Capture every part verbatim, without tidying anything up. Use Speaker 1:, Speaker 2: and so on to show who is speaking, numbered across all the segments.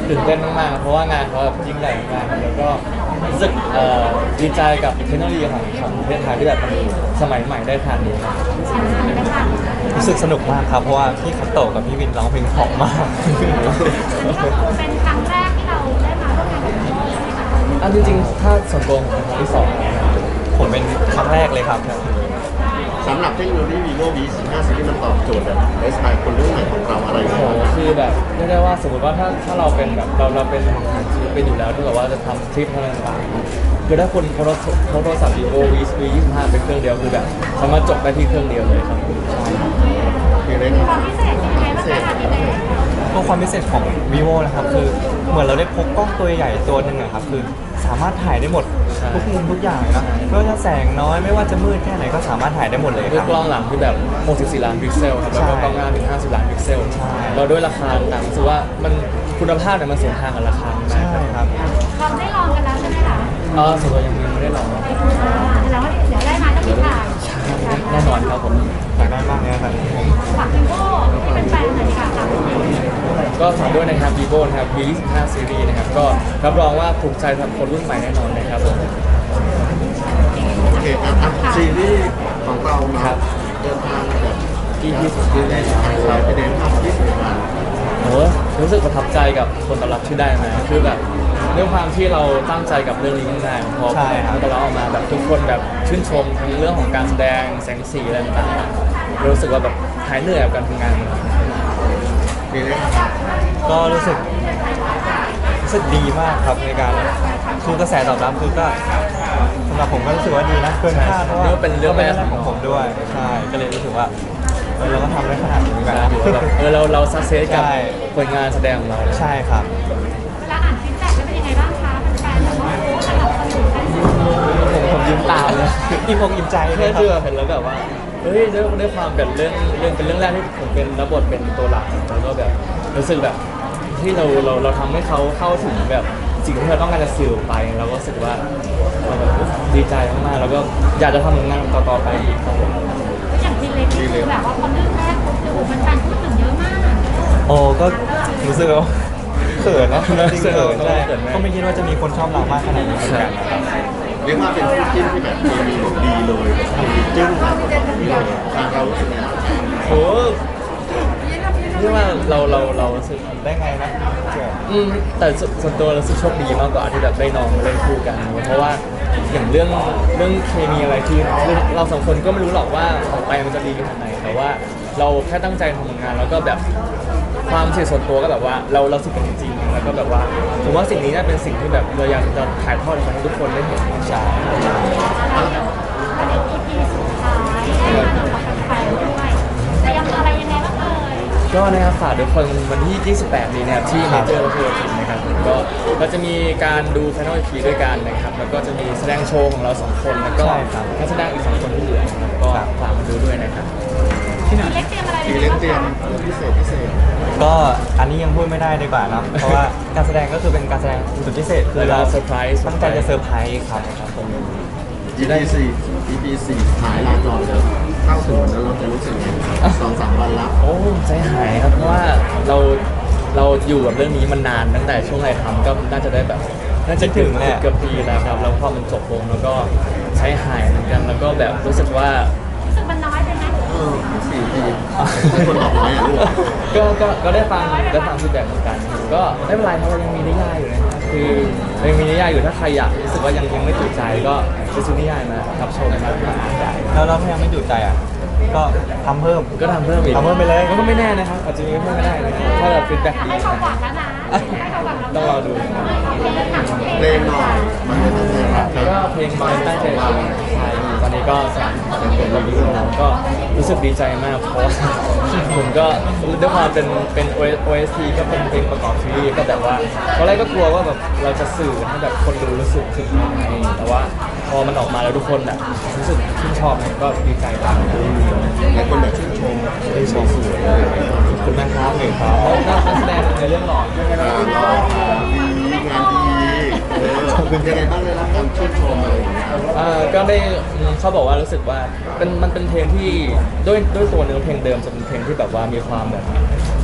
Speaker 1: ตื่นเต้นมากๆเพราะว่างานเขาแบบยิ่งใหญ่มากแล้วก็รู้สึกเอ่อดีใจกับเทคโนโลยีของของประเทศไทยที่แบบมันสมัยใหม่ได้ขนาดนี้ครับ
Speaker 2: รู้สึกสนุกมากครับเพราะว่าพี่คัตโตะกับพี่วินร้องเพลงเพราะมาก
Speaker 3: เป็นครั้งแรกที่เราได้มาร่วมงานกับพี่โมใช่ไหมคะ
Speaker 1: อันจริงๆถ้าส่วนตัวผมเป็นครั้งที่สองนะครับ
Speaker 2: ผมเป็นครั้งแรกเลยครับ
Speaker 4: สำหรับเทคโนโลยี vivo วี สิบห้า series มันตอบโจทย์แบบไลฟ์สไตล์คนรุ่นใหม่ของเราอะไร
Speaker 1: โอ้โห
Speaker 4: บ้าง
Speaker 1: คือแบบเรียกได้ว่าสมมติว่าถ้าถ้าเราเป็นแบบเราเราเป็นชีวิตเป็นอยู่แล้วที่แบบว่าจะทำคลิปอะไรต่างๆคือถ้าคนเขาเขาโทรศัพท์ vivo v วียี่สิบห้าเป็นเครื่องเดียวคือแบบสามารถจบได้ที่เครื่องเดียวเลยครับใช่
Speaker 4: คือเล่น
Speaker 3: ความพิเศษเป็นยังไงบ้างคะพี่เต้
Speaker 2: ตัวความพิเศษของ vivo นะครับคือเหมือนเราได้พกกล้องตัวใหญ่ตัวหนึ่งอะครับคือสามารถถ่ายได้หมดทุกมุมทุกอย่างนะไม่ว่าจะแสงน้อยไม่ว่าจะมืดแค่ไหนก็สามารถถ่ายได้หมดเลย
Speaker 1: ด้
Speaker 2: คว รั
Speaker 1: ย
Speaker 2: บ
Speaker 1: กล้องหลังที่แบบหกสิบสี่ล้านพิกเซลครับแล้วก็กล้องหน้าถึงห้าสิบล้านพิกเซล
Speaker 2: ใช่
Speaker 1: เราด้วยราคาต่างรู้สึกว่ามันคุณภาพเนี่ยมันสวนทางกับราคา
Speaker 2: ใช่ครับ
Speaker 3: เราได้ลองกันแล้วใช่ไหมคะ
Speaker 1: เออส่วนตัวยังไม่ได้ลอง
Speaker 3: แล้วว่าเดี๋ยวได้มาต้องมีถ่าย
Speaker 1: แน่นอนครับผม
Speaker 2: อยากได้มากเลยครับ
Speaker 3: ฝากพี่โมที่เป็นแฟนหน่อยค่ะฝาก
Speaker 1: ก็ฝากด้วยนะครับ vivo นะครับ วี ยี่สิบห้า series นะครับก็รับรองว่าถูกใจสำหรับคนรุ่นใหม่แน่นอนนะครับผม
Speaker 4: โอเคครับอ่ะซีรีส์ของเราเนาะเดินทางแบบ
Speaker 1: ที่ที่สุดที่ได้ครับ
Speaker 4: เราไปเดินทางที่สุดมา
Speaker 1: โอ้รู้สึกประทับใจกับคนตอบรับที่ได้มาคือแบบด้วยความที่เราตั้งใจกับเรื่องนี้มากๆพอ
Speaker 2: ใช่ครับ
Speaker 1: แล้วเราออกมาแบบทุกคนแบบชื่นชมทั้งเรื่องของการแสดงแสงสีอะไรต่างๆรู้สึกว่าแบบหายเหนื่อยกับการทำงาน
Speaker 4: คือเล่น
Speaker 2: ก็รู้สึกรู้สึกดีมากครับในการคือกระแสตอบรับคือก็สำหรับผมก็รู้สึกว่าดีนะเกินคาดเพราะว่า
Speaker 1: เป็นเรื่องแรก
Speaker 2: ของผมด้วยใช่ก็เลยรู้สึกว่าเออเราก็ทำได้ขนาดนี้เหมือนกันนะ
Speaker 1: ถือว่าแบบเออเราเราสักเซสกับ
Speaker 2: ใช่
Speaker 1: ผลงานแสดงของเรา
Speaker 2: ใช่ครับ
Speaker 3: เวลาอ่านฟีดแบ็กแล้วเป็นยังไงบ้างคะแฟนๆบอกว่าสนับสนุนกัน
Speaker 1: ผมผมยิ้มตามเลย
Speaker 2: อิ่มอกอิ่มใจเล
Speaker 1: แค่
Speaker 2: ยครั
Speaker 1: ที่แบบ บเห็นแล้วแบบว่าเฮ้ยด้วยด้วยความเป็นเรื่องเรื่องเป็นเรื่องแรกที่ผมเป็นรับบทเป็นตัวหลักแล้วก็แบบรู้สึกแบบที่เราเราเราทำให้เขาเข้าถึงแบบสิ่งที่เราต้องการจะสื่อออกไปเราก็รู้สึกว่าเราแบบดีใจมากๆแล้วก็อยากจะทำผลงานต่อๆไปอีกครับผม
Speaker 3: อย่างทีเล็กนี่คือแบบว่าพอเรื่องแรกปุ๊บโอ้โหแฟนๆพูดถึงเยอะมาก
Speaker 2: โอ้ก็รู้สึกว่าเขินนะจริงๆเขินใช่
Speaker 1: เขินไหม
Speaker 2: ก็ไม่คิดว่าจะมีคนชอบเรามากขนาดนี้เหมือนกันนะครับ
Speaker 4: เรียกว่าเป็นคู่จิ้นที่แบบเคมีแบบดีเลยเคมีจึ้งแบบทางเรารู้สึกไงบ้าง
Speaker 1: โหเรียกว่าเราเราเรารู้สึก
Speaker 2: ได้ไงนะเขิน
Speaker 1: อืมแต่สส่วนตัวเรารู้สึกโชคดีมากกว่าที่แบบได้น้องมาเล่นคู่กัน เพราะว่าอย่างเรื่องเรื่องเคมีอะไรที่เราสองคนก็ไม่รู้หรอกว่าออกไปมันจะดีขนาดไหนแต่ว่าเราแค่ตั้งใจทำผลงานแล้วก็แบบความเสียส่วนตัวก็แบบว่าเราเราสึกกันจริงๆแล้วก็แบบว่าผมว่าสิ่งนี้น่าเป็นสิ่งที่แบบเราอยากจะถ่ายทอดให้ทุกคนได้เห็นใช่
Speaker 3: อันนี้ อี พี สุดท้ายได้มากับแฟนๆด้วยจะยังอะไรยังไงบ้างเอ่ย
Speaker 1: ก็นะครับฝากทุกคนวันที่ยี่สิบแปดนี้นะครับที่
Speaker 2: ครั
Speaker 1: เม
Speaker 2: บ
Speaker 1: เจอร์วัฒนศิลป์นะครับก็ก็จะมีการดู Final อี พี ด้วยกันนะครับแล้วก็จะมีแสดงโชว์ของเราสองคนแล้วก็
Speaker 2: ใช่ครับ
Speaker 1: นักแสดงอีกสองคนที่เหลือนะครับก็
Speaker 2: ครับ
Speaker 1: ฝากมาดูด้วยนะครับ
Speaker 3: ทีเล็กเตรียมอะไร
Speaker 4: ที
Speaker 3: ยังไง
Speaker 4: เล่น
Speaker 3: บ้าง
Speaker 4: เตรียม
Speaker 3: คะ
Speaker 4: พิเศษพิเศษ
Speaker 2: ก็อันนี้ยังพูดไม่ได้ดีกว่าเนอะเพราะว่าการแสดงก็คือเป็นการแสดงสุดพิเศษคือ
Speaker 1: แล้วก็
Speaker 2: เรา
Speaker 1: เซอร์ไพรส์
Speaker 2: ตั้งใจจะเซอร์ไพรส์ครับครับผม
Speaker 4: อี พี สี่ อี พี สี่หายลาจอแล้วเข้าถึงวันนั้นเราจะรู้สึกไงสองสามวันแล้ว
Speaker 1: โอ้ใจหายครับเพราะว่าเราเราอยู่กับเรื่องนี้มานานตั้งแต่ช่วงไหนทำก็น่าจะได้แบบน่าจะถึงเกือบปีแล้วครับแล้วพอมันจบลงแล้วก็ใช้หายเหมือนกันแล้วก็แบบรู้สึกว่า
Speaker 3: รู้สึกมันน้อยไปไหม
Speaker 4: เออสี่ทีให้คนบอกน้อยอ่ะลูก
Speaker 1: ก็ก็ก็ได้ฟังได้ฟังฟีดแบ็กเหมือนกัน ก็ไม่เป็นไรเพราะเรายังมีนิยายอยู่นะครับคือยังมีนิยายอยู่ถ้าใครอยากรู้สึกว่ายังยังไม่ถูกใจก็ไปซื้อนิยายมารับชมมามาอ่านได้
Speaker 2: แล้วเราถ้ายังไม่จุใจอ่ะก็ทำเพิ่ม
Speaker 1: ก็ทำเพิ่มอีก
Speaker 2: ทำเพิ่มไปเลย
Speaker 1: ก็ไม่แน่นะครับอาจจะมีเพิ่มก็ได้นะครับถ้าแบบฟีดแบ็กดี
Speaker 3: ให้ความหวังแล้วนะให้ความหวังแล้ว
Speaker 1: ต้องรอดู
Speaker 4: เพลงหน่อยมันจะเป็นยังไง
Speaker 1: ก็เพลงมันตั้งใจทำใช่ตอนนี้ก็สามเป็นเพลงรีวิวแล้วก็รู้สึกดีใจมากเพราะว่าผมก็ด้วยความเป็นเป็น โอ เอส ที ก็เป็นเพลงประกอบซีรีส์ก็แบบว่าตอนแรกก็กลัวว่าแบบเราจะสื่อให้แบบคนดูรู้สึกถึงยังไงแต่ว่าพอมันออกมาแล้วทุกคนแบบรู้สึกชื่นชอบเนี่ยก็ดีใจมาก
Speaker 4: หลายคนแบบชื่นชมชื่นชมสวยเลย
Speaker 1: ขอบคุณนะครับหนึ่งครับแล้วก็นักแสดงในเรื่องหล่อ
Speaker 4: งานดีงานดีเออเป็นยังไงบ้างเลยรับการชื่นชมอะไรอย่างเงี้ย
Speaker 1: เอ่อก็ได้อืมเขาบอกว่ารู้สึกว่าเป็นมันเป็นเพลงที่ด้วยด้วยตัวเนื้อเพลงเดิมจะเป็นเพลงที่แบบว่ามีความแบบ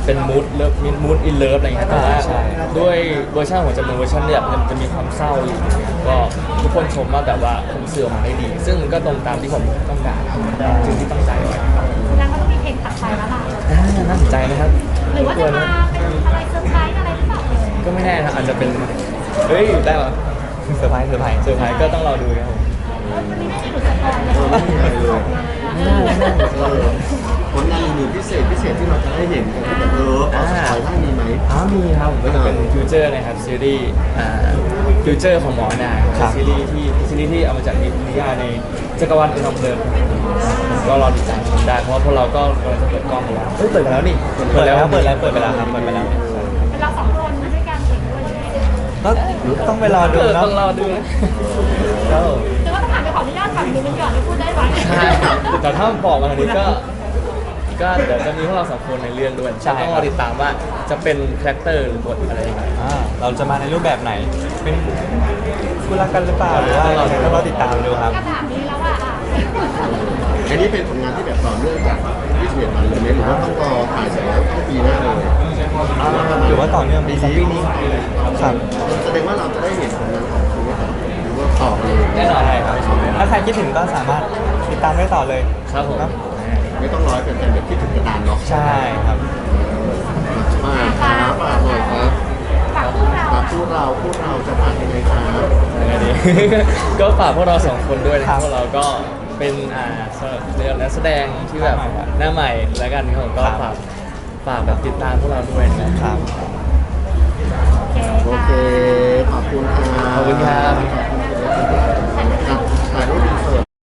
Speaker 1: เป็นมูดเลิฟมีมูดอินเลิฟอะไรเงี้ยแต่ว่า
Speaker 2: ใช่
Speaker 1: ด้วยเวอร์ชันของจำนวนเวอร์ชันเนี่ยมันจะมีความเศร้าอยู่อย่างเงี้ยก็ทุกคนชมว่าแบบว่าผมสื่อออกมาได้ดี ซึ่งก็ตรงตามที่ผมต้องการจริงที่ตั้งใจไว้ครับ
Speaker 3: แสดงว่าต้องมีเพลงตัดไปแล้วล่ะ
Speaker 1: อ่าน่าสนใจนะครับ
Speaker 3: หรือว่าจะมาเป็นอะไรเซอร์ไพรส์อะไรหรือเปล่าเอ่ย
Speaker 1: ก็ไม่แน่นะอาจจะเป็นเฮ้ยได้เหรอ
Speaker 2: เซอร์ไพรส์เซอร์ไพรส์
Speaker 1: เซอร์ไพรส์ก็ต้องรอดูครับผม
Speaker 3: มันไม่ได้หลุดสปอยเลย
Speaker 4: เออไม่มีอะไรเลย
Speaker 3: เออ
Speaker 4: เออผลงานอื่นๆพิเศษพิเศษที่เราจะได้เห็นกันแบบเออเอาสปอยได้มีไหม
Speaker 1: อ้ามีครับก็จะเป็นฟิวเจอร์นะครับซีรีส์อ่าฟิวเจอร์ของหมอนาครับซีรีส์ที่ซีรีส์ที่เอามาจากนิยายในจักรวาลอุณหภูมิก็รอติดตามชมได้เพราะว่าพวกเราก็กำลังจะเปิดกล้องกันแล้วเฮ้ยเปิดกันแล้วนี่
Speaker 2: เปิดแล้วเปิดแล้วเปิดไปแล้วครับเปิดไปแล้ว
Speaker 3: เป็นเราสองคนด้วยกันเองด้วยใช่ไหม
Speaker 2: ก็ต้องไปรอดู
Speaker 1: เออ
Speaker 2: เนาะ
Speaker 1: ต้องรอดูนะครับผม
Speaker 3: แต่ว่าต้องถามไปขออนุญาตถามดูมันก่อนที่พูดได้ไหม
Speaker 1: ใช่แต่ถ้าบอกมาทางนี้ก็ก็เดี๋ยวจะมีพวกเราสองคนในเรื่องด้วยต้องรอติดตามว่าจะเป็นคาแรคเตอร์หรือบทอะไรยังไง
Speaker 2: อ่าเราจะมาในรูปแบบไหน เป็นคู่รักกันหรือเปล่าหรือว่าเราต้องรอติดตามดูครับ
Speaker 3: ก็ถามนี้แล้วว่าอ่ะ
Speaker 4: อันนี้เป็นผลงานที่แบบต่อเนื่องจากวิทยาลัยเลยไหมหรือว่าต้องรอถ่ายเสร็จแล้วต้องปีหน้าเลย
Speaker 2: หรือว่าต่อเนื่องปีนี้ครับ
Speaker 4: แสดงว่าเราจะได้เห็นผลงานของคุณว่าหรือว่าต่อเลย
Speaker 1: แน่นอน
Speaker 2: ใช่ครับถ้าใครคิดถึงก็สามารถติดตามได้ต่อเลย
Speaker 1: ครับผม
Speaker 2: เนาะ
Speaker 4: ไม่ต้องรอให้เป็นแบบคิดถึงกระดานเนาะ
Speaker 2: ใช่ครับ
Speaker 4: มาครับฝากหน่อยครับ
Speaker 3: ฝากพวกเรา
Speaker 4: ฝากพูดเราพูดเราจะฝากยังไงครับ
Speaker 1: ยังไงดี ก็ฝากพวกเราสองคนด้วยนะค
Speaker 2: ครั
Speaker 1: รับบ พวกเราก็เป็นอ่าเรียกนักแสดงที่แบบหน้าใหม่แล้วกันครับผมก็
Speaker 2: ครับ
Speaker 1: ฝากฝากแบบติดตามพวกเราด้วยนะครับ
Speaker 2: ครับ